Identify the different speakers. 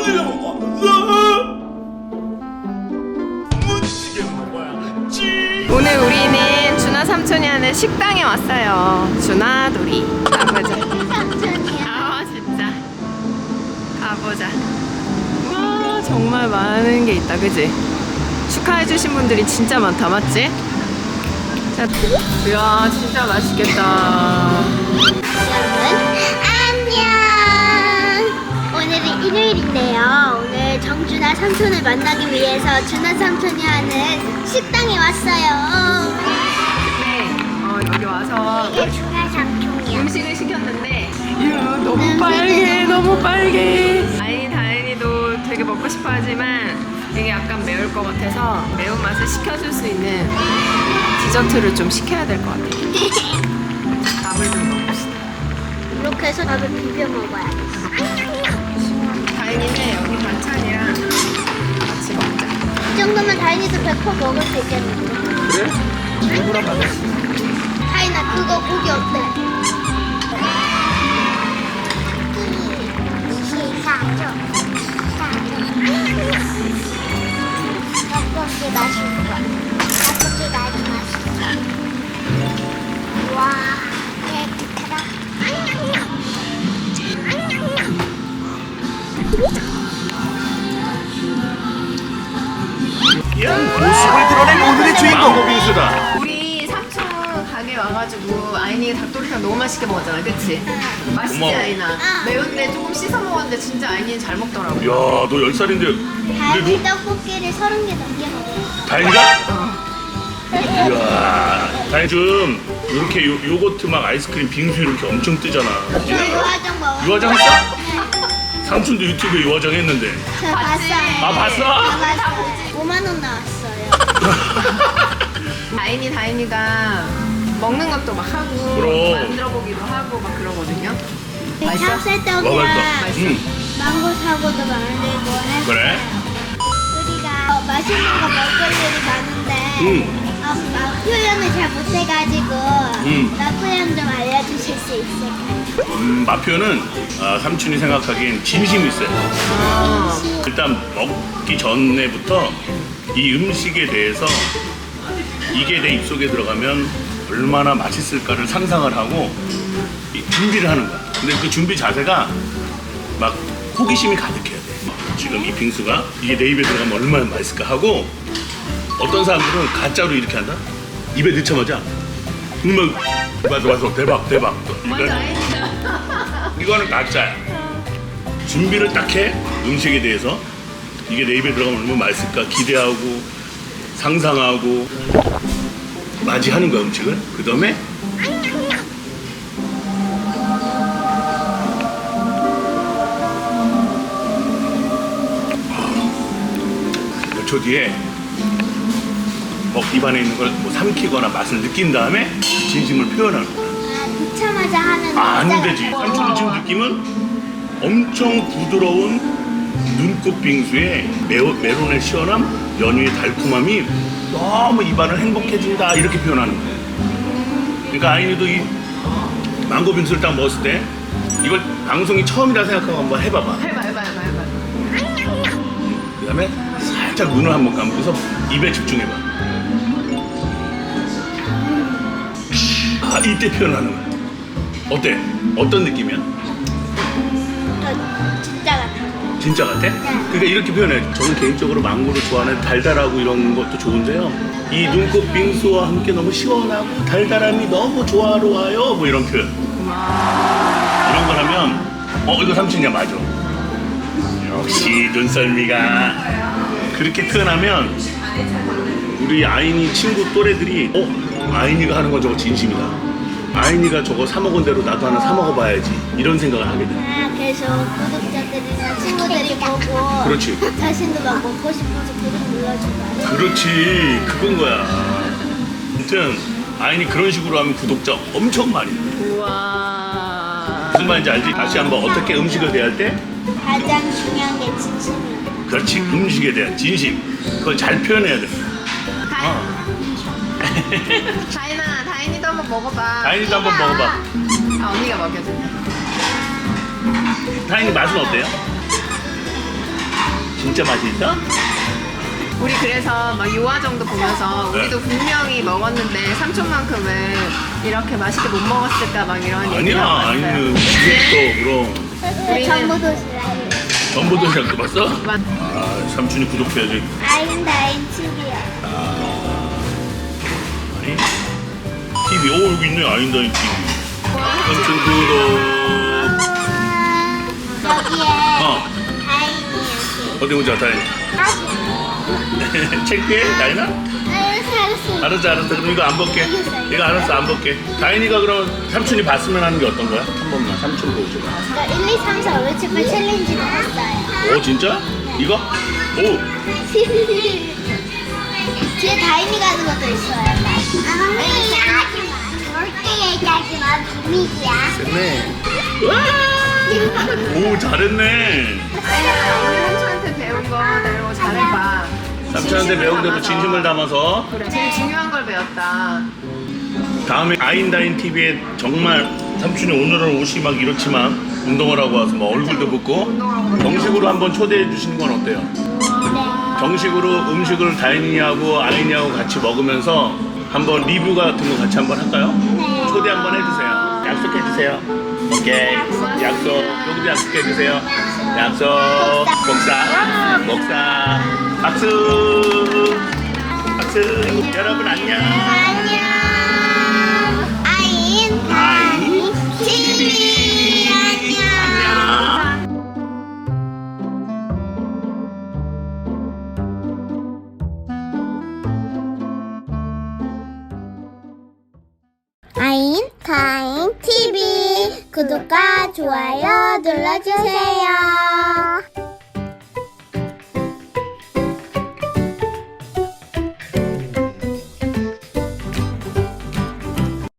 Speaker 1: 야무지게 먹어. 야무지게 먹어야지.
Speaker 2: 오늘 우리는 준하 삼촌이 하는 식당에 왔어요. 준하돌이. 가보자. 아 진짜. 가보자. 와 정말 많은 게 있다, 그지? 축하해주신 분들이 진짜 많다, 맞지? 자, 이야 진짜 맛있겠다.
Speaker 3: 여러분 안녕. 오늘은 일요일인데요. 오늘 정준하 삼촌을 만나기 위해서 준하 삼촌이 하는 식당에 왔어요.
Speaker 2: 네, 여기 와서
Speaker 3: 이게 준하 삼촌이야.
Speaker 2: 음식을 시켰는데 이야 너무 빨개, 너무 빨개. 아니 다행히도 되게 먹고 싶어하지만 이게 약간 매울 것 같아서 매운맛을 식혀줄 수 있는 디저트를 좀 시켜야 될 것 같아요. 밥을 좀 먹읍시다.
Speaker 3: 이렇게 해서 밥을 비벼 먹어야겠어.
Speaker 2: 다행이네, 여기 반찬이랑 같이 먹자.
Speaker 3: 이 정도면 다인이도 100% 먹을 수 있겠는데.
Speaker 2: 그래? 잘 물어봐봤어.
Speaker 3: 다인아 그거 고기 어때? 닭고기 맛있는 거. 닭고기 아주 맛있어. 와, 깨끗하다.
Speaker 1: 모습을 드러낸 오늘의 주인공 망고 빙수다.
Speaker 2: 우리 삼촌 가게 와가지고 아이니가 닭도리탕 너무 맛있게 먹었잖아, 그치? 맛있지,
Speaker 1: 고마워.
Speaker 2: 아이나? 매운데 조금 씻어 먹었는데 진짜 아이니는 잘 먹더라고.
Speaker 1: 야, 너 10살인데
Speaker 3: 다인이 떡볶이를 30개 넘게 먹어.
Speaker 1: 다행이다? 이야, 다행 좀 이렇게 요거트 막 아이스크림 빙수 이렇게 엄청 뜨잖아.
Speaker 3: 저 유화정 먹어.
Speaker 1: 유화장 했어? 삼촌도 유튜브에 유화장 했는데.
Speaker 3: 저 봤어요.
Speaker 1: 아, 봤어?
Speaker 3: 봤어요. 5만 원 나왔어요.
Speaker 2: 다인이가 먹는 것도 막 하고
Speaker 1: 그럼.
Speaker 2: 만들어 보기도 하고 막 그러거든요.
Speaker 3: 찹쌀떡이랑
Speaker 1: 맛있어.
Speaker 3: 망고 사고도 만들고 해서
Speaker 1: 그래?
Speaker 3: 우리가 맛있는 거 먹을 일이 많은데 막 표현을 잘 못해가지고 맛 표현 좀 알려주실 수 있을까요?
Speaker 1: 맛 표현은 삼촌이 생각하기엔 진심이 있어요. 일단 먹기 전에부터 이 음식에 대해서 이게 내 입속에 들어가면 얼마나 맛있을까를 상상을 하고 이 준비를 하는 거야. 근데 그 준비 자세가 막 호기심이 가득해야 돼. 지금 이 빙수가 이게 내 입에 들어가면 얼마나 맛있을까 하고 어떤 사람들은 가짜로 이렇게 한다? 입에 넣자마자 맞아 대박
Speaker 2: 먼저 아이니가
Speaker 1: 이거는 가짜야. 준비를 딱 해. 음식에 대해서 이게 내 입에 들어가면 얼마나 맛있을까 기대하고 상상하고 맞이하는 거야 음식을. 그 다음에 몇 초 뒤에 입안에 있는 걸 뭐 삼키거나 맛을 느낀 다음에 진심을 표현하는 거야.
Speaker 3: 넣자마자 하면
Speaker 1: 안 되지. 삼촌은 지금 느낌은 엄청 부드러운 눈꽃 빙수에 메론의 시원함, 연유의 달콤함이 너무 입안을 행복해진다 이렇게 표현하는 거예요. 그러니까 아이니도 이 망고 빙수를 딱 먹었을 때 이걸 방송이 처음이라 생각하고 한번 해봐봐.
Speaker 2: 해봐.
Speaker 1: 그 다음에 살짝 눈을 한번 감고서 입에 집중해봐. 이때 표현하는 거야. 어때? 어떤 느낌이야?
Speaker 3: 진짜 같아.
Speaker 1: 진짜 같아? 그러니까 이렇게 표현해. 저는 개인적으로 망고를 좋아하는 달달하고 이런 것도 좋은데요. 이 눈꽃 빙수와 함께 너무 시원하고 달달함이 너무 조화로워요. 뭐 이런 표현. 이런 걸 하면 이거 삼촌이야 맞아. 역시 눈썰미가. 그렇게 표현하면 우리 아이니 친구 또래들이 아이니가 하는 건 저거 진심이다. 아이니가 저거 사 먹은 대로 나도 하나 사 먹어봐야지 이런 생각을 하게 돼.
Speaker 3: 그래서 구독자들이나 친구들이 보고
Speaker 1: 그렇지.
Speaker 3: 자신도 막 먹고 싶어서 구독 눌러주고.
Speaker 1: 그렇지, 그건 거야. 아무튼 아이니 그런 식으로 하면 구독자 엄청 많이 돼.
Speaker 2: 우와.
Speaker 1: 무슨 말인지 알지? 다시 한번 어떻게 음식을 대할 때
Speaker 3: 가장 중요한 게 진심이야.
Speaker 1: 그렇지, 음식에 대한 진심 그걸 잘 표현해야 돼.
Speaker 2: 다인이도 한번 먹어봐.
Speaker 1: 다인이도 한번 먹어봐.
Speaker 2: 언니가 먹여줄게.
Speaker 1: 다인이 맛은 어때요? 진짜 맛이 있다?
Speaker 2: 우리 그래서 막 유아 정도 보면서
Speaker 1: 네.
Speaker 2: 우리도 분명히 먹었는데 삼촌만큼은 이렇게 맛있게 못 먹었을까 막 이런 얘기를
Speaker 1: 아니야,
Speaker 2: 하고 왔어요.
Speaker 1: 아니면 지금도 그럼
Speaker 3: 전부 도시락이에요.
Speaker 1: 전부도시락도 봤어?
Speaker 2: 맞-
Speaker 1: 아, 삼촌이 구독해야지.
Speaker 3: 아인다인 칩이요.
Speaker 1: 아니, TV, 오, 여기 있네, 아인다인 TV. 삼촌 구독.
Speaker 3: 여기에
Speaker 1: 어,
Speaker 3: 다인이
Speaker 1: 어디 보자, 다인. 창피해, 다인아?
Speaker 3: 알았어.
Speaker 1: 알았어. 그럼 이거 안 볼게. 이거 알았어, 안 볼게. 다인이가 그럼 삼촌이 봤으면 하는 게 어떤 거야? 한 번만 삼촌 보여줘봐.
Speaker 3: 저 1, 2, 3, 4, 5, 7, 8 챌린지도 했어요.
Speaker 1: 오, 진짜? 이거? 오,
Speaker 3: 뒤에 다인이가 하는 것도 있어요. 절대 얘기하지 마. 비밀이야.
Speaker 1: 됐네. 오, 잘했네.
Speaker 2: 아니야, 우리 삼촌한테 배운 거 내고 잘해봐.
Speaker 1: 삼촌한테 배운 대로 진심을 담아서
Speaker 2: 그래, 제일 중요한 걸 배웠다.
Speaker 1: 다음에 아인다인 TV에 정말 삼촌이 오늘은 옷이 막 이렇지만 운동을 하고 와서 막 얼굴도 붓고 정식으로 한번 초대해 주시는 건 어때요? 정식으로 음식을 다인이하고 아인이하고 같이 먹으면서 한번 리뷰 같은 거 같이 한번 할까요? 초대 한번 해주세요. 약속해 주세요. 오케이. 약속. 여기도 약속해 주세요. 약속. 복사. 박수. 박수. 여러분 안녕.
Speaker 3: 안녕. 아인 TV. 안녕. 아인 타임 TV 구독과 좋아요 눌러주세요.